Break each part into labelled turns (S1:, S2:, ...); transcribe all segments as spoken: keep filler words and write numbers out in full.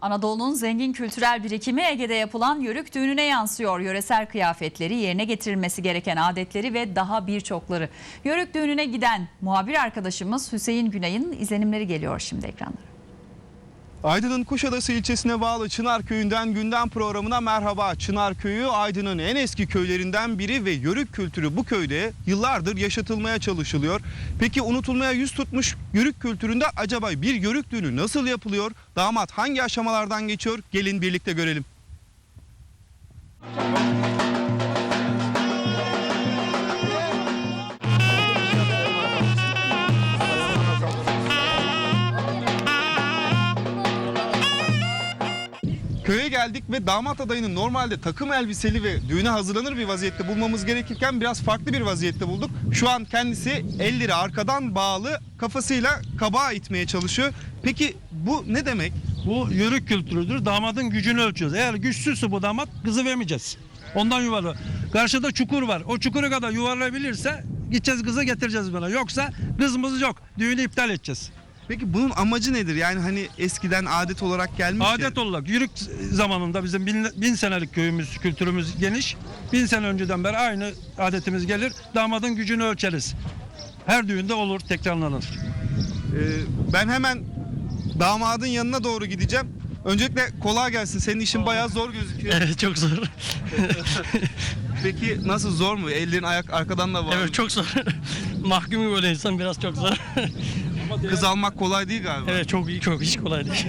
S1: Anadolu'nun zengin kültürel birikimi Ege'de yapılan Yörük düğününe yansıyor. Yöresel kıyafetleri, yerine getirilmesi gereken adetleri ve daha birçokları. Yörük düğününe giden muhabir arkadaşımız Hüseyin Günay'ın izlenimleri geliyor şimdi ekranlara.
S2: Aydın'ın Kuşadası ilçesine bağlı Çınarköy'ünden gündem programına merhaba. Çınarköy'ü Aydın'ın en eski köylerinden biri ve Yörük kültürü bu köyde yıllardır yaşatılmaya çalışılıyor. Peki unutulmaya yüz tutmuş Yörük kültüründe acaba bir Yörük düğünü nasıl yapılıyor? Damat hangi aşamalardan geçiyor? Gelin birlikte görelim. Köye geldik ve damat adayını normalde takım elbiseli ve düğüne hazırlanır bir vaziyette bulmamız gerekirken biraz farklı bir vaziyette bulduk. Şu an kendisi elleri arkadan bağlı, kafasıyla kabağa itmeye çalışıyor. Peki bu ne demek?
S3: Bu Yörük kültürüdür. Damadın gücünü ölçüyoruz. Eğer güçsüzse bu damat kızı vermeyeceğiz. Ondan yuvarlı. Karşıda çukur var. O çukura kadar yuvarlayabilirse gideceğiz kızı getireceğiz bana. Yoksa kızımız yok. Düğünü iptal edeceğiz.
S2: Peki bunun amacı nedir? Yani hani eskiden adet olarak gelmiş
S3: Adet
S2: ya.
S3: olarak Yörük zamanında bizim bin, bin senelik köyümüz, kültürümüz geniş. Bin sene önceden beri aynı adetimiz gelir. Damadın gücünü ölçeriz. Her düğünde olur, tekrarlanır.
S2: Ee, ben hemen damadın yanına doğru gideceğim. Öncelikle kolay gelsin. Senin işin bayağı zor gözüküyor.
S4: Evet, çok zor.
S2: Peki nasıl, zor mu? Ellerin ayak arkadan da var.
S4: Evet, çok zor. Mahkum böyle insan biraz çok zor.
S2: Kız almak kolay değil galiba.
S4: Evet, çok iyi, çok hiç kolay değil.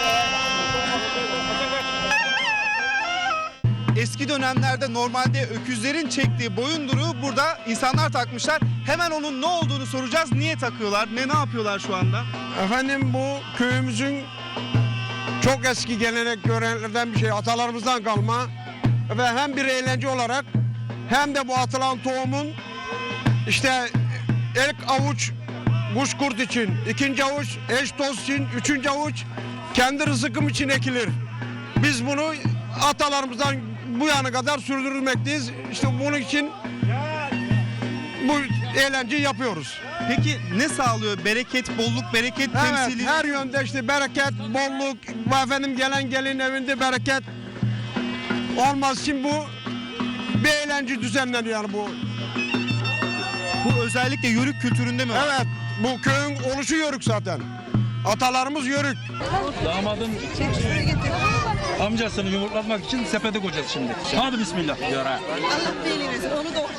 S2: Eski dönemlerde normalde öküzlerin çektiği boyunduruğu burada insanlar takmışlar. Hemen onun ne olduğunu soracağız. Niye takıyorlar? Ne ne yapıyorlar şu anda?
S5: Efendim, bu köyümüzün çok eski gelenek göreneklerden bir şey, atalarımızdan kalma ve hem bir eğlence olarak hem de bu atılan tohumun işte ilk avuç kuş kurt için, ikinci avuç eş dost için, üçüncü avuç kendi rızkım için ekilir. Biz bunu atalarımızdan bu yana kadar sürdürmekteyiz. İşte bunun için bu eğlenceyi yapıyoruz.
S2: Peki ne sağlıyor? Bereket, bolluk, bereket
S5: Evet,
S2: temsili.
S5: her yönde işte bereket, bolluk, bu efendim gelen gelin evinde bereket olmaz için bu bir eğlence düzenleniyor yani bu.
S2: Bu özellikle Yörük kültüründe mi var?
S5: Evet, bu köyün oluşu Yörük zaten. Atalarımız Yörük.
S3: Damadın amcasını yumurtlatmak için sepete koyacağız şimdi. Hadi bismillah. Yara.
S6: Allah belanı versin, onu da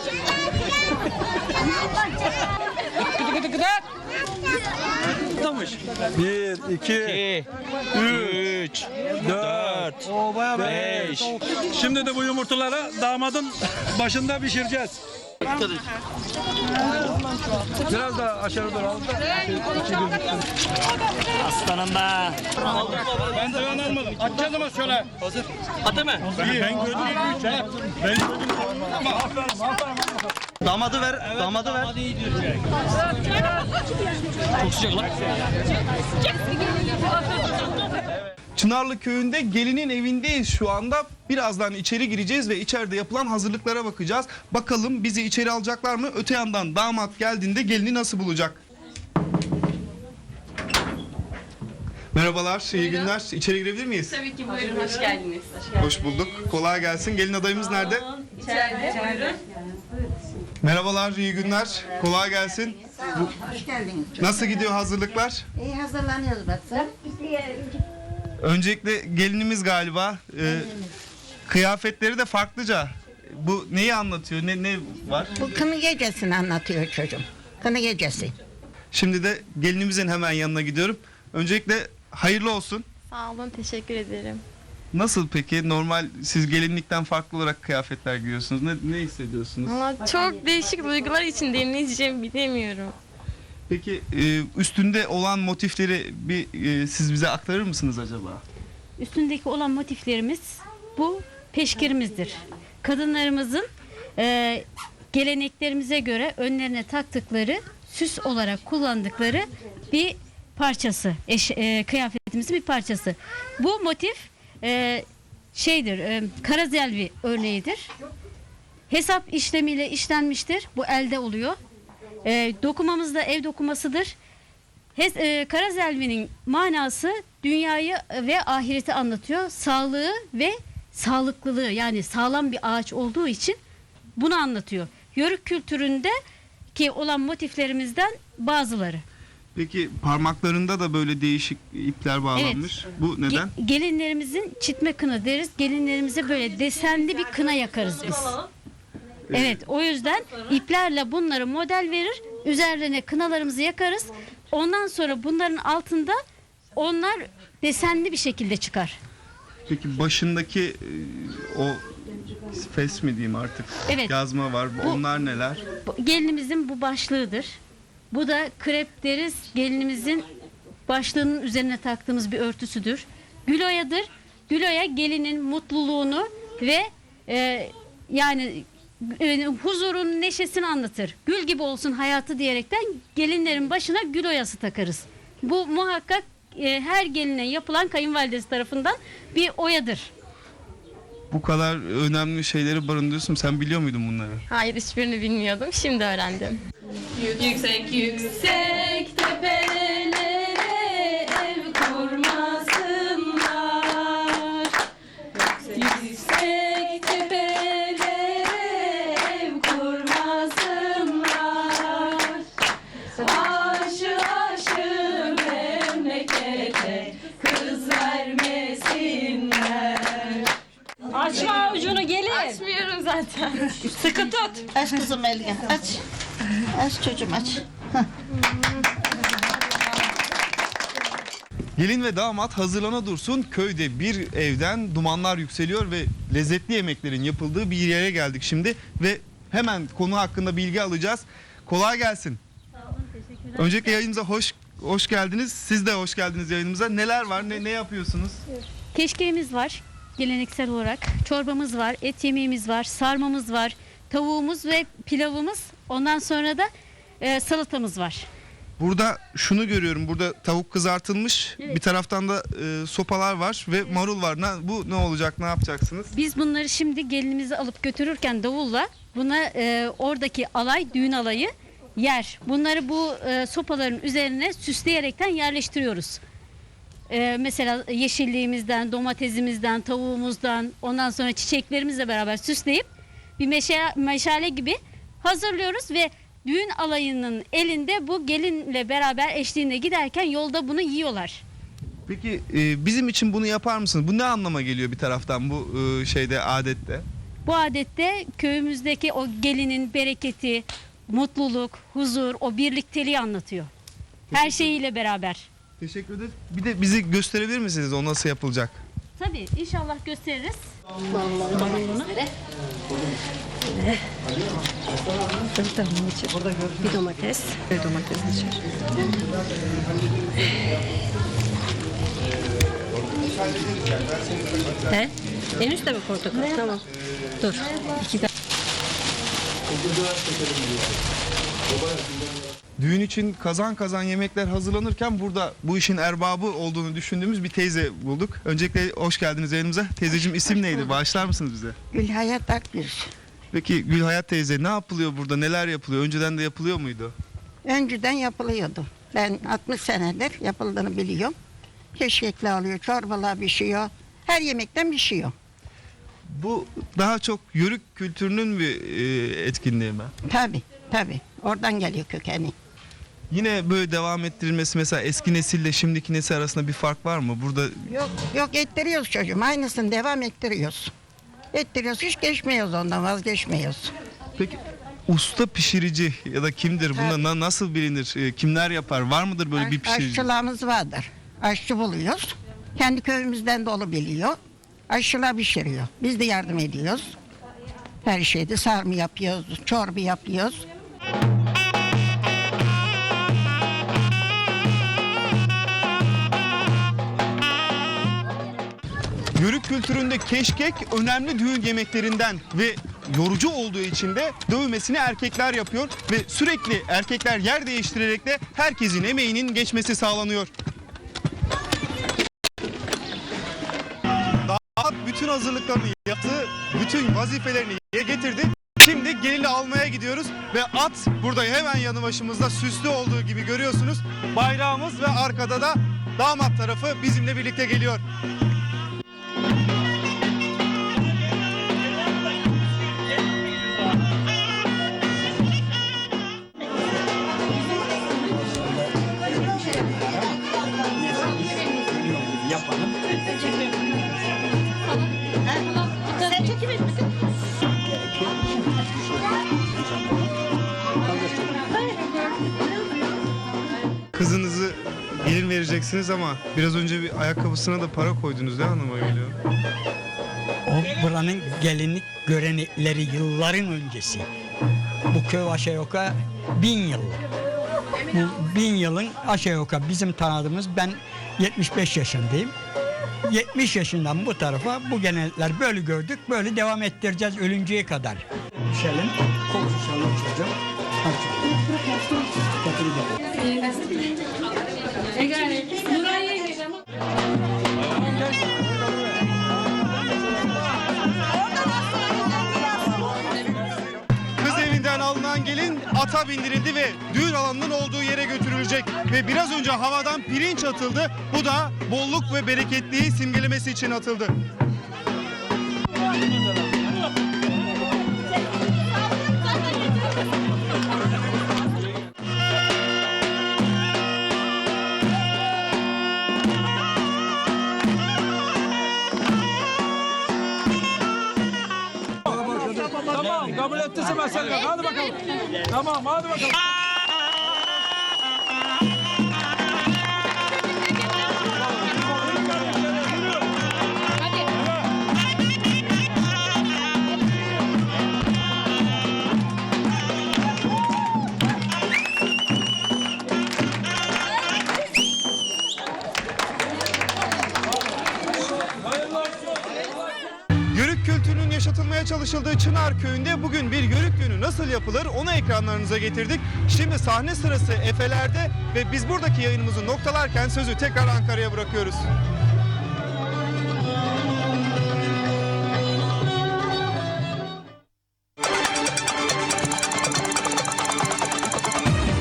S3: Bir, iki, üç, dört, beş. Şimdi de bu yumurtaları damadın başında pişireceğiz. Biraz daha aşağı doğru alalım.
S4: Aslanım be.
S3: Ben de ön almadım. Atacağız ama şöyle.
S4: Hazır. Atı mı?
S3: Ben gördüm. Ben gördüm.
S4: Damadı ver, damadı ver. Çok sıcak lan.
S2: Çınarlı köyünde gelinin evindeyiz şu anda. Birazdan içeri gireceğiz ve içeride yapılan hazırlıklara bakacağız. Bakalım bizi içeri alacaklar mı? Öte yandan damat geldiğinde gelini nasıl bulacak? Merhabalar, iyi günler. İçeri girebilir miyiz?
S7: Tabii ki, buyurun, hoş geldiniz. Hoş geldiniz.
S2: Hoş bulduk. Kolay gelsin. Gelin adayımız nerede?
S7: İçeride, buyurun.
S2: Merhabalar, iyi günler. Kolay gelsin.
S6: Hoş geldiniz.
S2: Nasıl gidiyor hazırlıklar?
S6: İyi hazırlanıyoruz Batı.
S2: Öncelikle gelinimiz galiba. Ee, kıyafetleri de farklıca. Bu neyi anlatıyor? Ne ne var?
S6: Bu kını gecesini anlatıyor çocuğum. Kını gecesi.
S2: Şimdi de gelinimizin hemen yanına gidiyorum. Öncelikle hayırlı olsun.
S8: Sağ olun, teşekkür ederim.
S2: Nasıl peki? Normal siz gelinlikten farklı olarak kıyafetler giyiyorsunuz. Ne, ne hissediyorsunuz?
S8: Valla çok değişik duygular içindeyim, ne diyeceğimi bilemiyorum.
S2: Peki e, üstünde olan motifleri bir e, siz bize aktarır mısınız acaba?
S9: Üstündeki olan motiflerimiz bu peşkirimizdir. Kadınlarımızın e, geleneklerimize göre önlerine taktıkları, süs olarak kullandıkları bir parçası, eş, e, kıyafetimizin bir parçası. Bu motif e, şeydir, e, karazelvi örneğidir. Hesap işlemiyle işlenmiştir. Bu elde oluyor. E, dokumamız da ev dokumasıdır. Hes, e, Karazelvi'nin manası dünyayı ve ahireti anlatıyor. Sağlığı ve sağlıklılığı, yani sağlam bir ağaç olduğu için bunu anlatıyor. Yörük kültüründe ki olan motiflerimizden bazıları.
S2: Peki parmaklarında da böyle değişik ipler bağlanmış. Bu neden?
S9: Ge- gelinlerimizin çitme kına deriz. Gelinlerimize böyle desenli bir kına yakarız biz. Evet, o yüzden iplerle bunları model verir. Üzerlerine kınalarımızı yakarız. Ondan sonra bunların altında onlar desenli bir şekilde çıkar.
S2: Peki başındaki e, o fes mi diyeyim artık?
S9: Evet.
S2: Yazma var.
S9: Bu-
S2: Onlar neler?
S9: Bu- Gelinimizin bu başlığıdır. Bu da krep deriz. Gelinimizin başlığının üzerine taktığımız bir örtüsüdür. Güloyadır. Güloya gelinin mutluluğunu ve e, yani e, huzurun, neşesini anlatır. Gül gibi olsun hayatı diyerekten gelinlerin başına gül oyası takarız. Bu muhakkak e, her geline yapılan kayınvalidesi tarafından bir oyadır.
S2: Bu kadar önemli şeyleri barındırıyorsun. Sen biliyor muydun bunları?
S8: Hayır, hiçbirini bilmiyordum. Şimdi öğrendim.
S7: Yüksek yüksek tepelere ev kurmasınlar. Yüksek tepelere ev kurmasınlar. Aşı aşı memlekete kız vermesinler.
S10: Açma avucunu gelin.
S8: Açmıyorum zaten.
S10: Sıkı tut.
S6: Aç kızım elini, aç. Aç çocuğum, aç.
S2: Gelin ve damat hazırlana dursun. Köyde bir evden dumanlar yükseliyor ve lezzetli yemeklerin yapıldığı bir yere geldik şimdi. Ve hemen konu hakkında bilgi alacağız. Kolay gelsin. Öncelikle yayınımıza hoş hoş geldiniz. Siz de hoş geldiniz yayınımıza. Neler var? Ne, ne yapıyorsunuz?
S9: Keşkeğimiz var geleneksel olarak. Çorbamız var, et yemeğimiz var, sarmamız var, tavuğumuz ve pilavımız. Ondan sonra da e, salatamız var.
S2: Burada şunu görüyorum. Burada tavuk kızartılmış. Bir taraftan da e, sopalar var ve marul var. Ne- bu ne olacak? Ne yapacaksınız?
S9: Biz bunları şimdi gelinimizi alıp götürürken davulla buna e, oradaki alay, düğün alayı yer. Bunları bu e, sopaların üzerine süsleyerekten yerleştiriyoruz. E, mesela yeşilliğimizden, domatesimizden, tavuğumuzdan, ondan sonra çiçeklerimizle beraber süsleyip bir meşale, meşale gibi hazırlıyoruz ve düğün alayının elinde bu gelinle beraber eşliğinde giderken yolda bunu yiyorlar.
S2: Peki e, bizim için bunu yapar mısınız? Bu ne anlama geliyor bir taraftan bu e, şeyde adette?
S9: Bu adette köyümüzdeki o gelinin bereketi, mutluluk, huzur, o birlikteliği anlatıyor. Her şeyiyle beraber.
S2: Teşekkür ederiz. Bir de bizi gösterebilir misiniz o nasıl yapılacak?
S9: Tabii inşallah gösteririz.
S10: Bir domates. Bir domates içer. He? En üstte mi portakal? Tamam. Dur. İki dakika.
S2: Düğün için kazan kazan yemekler hazırlanırken burada bu işin erbabı olduğunu düşündüğümüz bir teyze bulduk. Öncelikle hoş geldiniz yayınımıza. Teyzeciğim isim neydi? Bağışlar mısınız bize?
S6: Gülhayat Akgüz.
S2: Peki Gülhayat teyze ne yapılıyor burada? Neler yapılıyor? Önceden de yapılıyor muydu?
S6: Önceden yapılıyordu. Ben altmış senedir yapıldığını biliyorum. Keşkekli alıyor, çorbalar pişiyor. Her yemekten pişiyor.
S2: Bu daha çok yörük kültürünün bir e, etkinliği mi?
S6: Tabii, tabii. Oradan geliyor kökeni.
S2: Yine böyle devam ettirilmesi mesela eski nesille şimdiki nesil arasında bir fark var mı? Burada
S6: Yok, yok ettiriyoruz çocuğum. Aynısını devam ettiriyoruz. Ettiriyoruz, hiç geçmiyoruz ondan, vazgeçmiyoruz.
S2: peki usta pişirici ya da kimdir? Buna
S6: Tabii.
S2: na- nasıl bilinir? E, kimler yapar? Var mıdır böyle bir
S6: Aş-
S2: pişirici?
S6: Aşçılığımız vardır. Aşçı buluyoruz. Kendi köyümüzden dolu biliyor. Aşçılar pişiriyor. Biz de yardım ediyoruz. Her şeyde sarma yapıyoruz, çorba yapıyoruz.
S2: Yörük kültüründe keşkek önemli düğün yemeklerinden ve yorucu olduğu için de dövmesini erkekler yapıyor ve sürekli erkekler yer değiştirerek de herkesin emeğinin geçmesi sağlanıyor. Damat bütün hazırlıklarını yaptı, bütün vazifelerini yerine getirdi Şimdi gelini almaya gidiyoruz ve at burada hemen yanı başımızda süslü olduğu gibi görüyorsunuz. Bayrağımız ve arkada da damat tarafı bizimle birlikte geliyor. Kızınızı gelin vereceksiniz ama biraz önce bir ayakkabısına da para koydunuz ne anlama geliyor?
S11: O buranın gelinlik görenekleri yılların öncesi. Bu köy aşağı yukarı bin yıl. Bu bin yılın aşağı yukarı bizim tanıdığımız, ben yetmiş beş yaşındayım. yetmiş yaşından bu tarafa bu gelenekler böyle gördük, böyle devam ettireceğiz ölünceye kadar. Şelin kokusu çalacağım.
S2: Kız evinden alınan gelin ata bindirildi ve düğün alanının olduğu yere götürülecek. Ve biraz önce havadan pirinç atıldı. Bu da bolluk ve bereketliği simgelemesi için atıldı.
S3: Tamam, kabul ettiyse mesele yok. Hadi bakalım. Tamam, hadi bakalım.
S2: Yörük kültürünün yaşatılmaya çalışıldığı Çınar Köyü'nde bugün bir yörük düğünü nasıl yapılır onu ekranlarınıza getirdik. Şimdi sahne sırası Efeler'de ve biz buradaki yayınımızı noktalarken sözü tekrar Ankara'ya bırakıyoruz.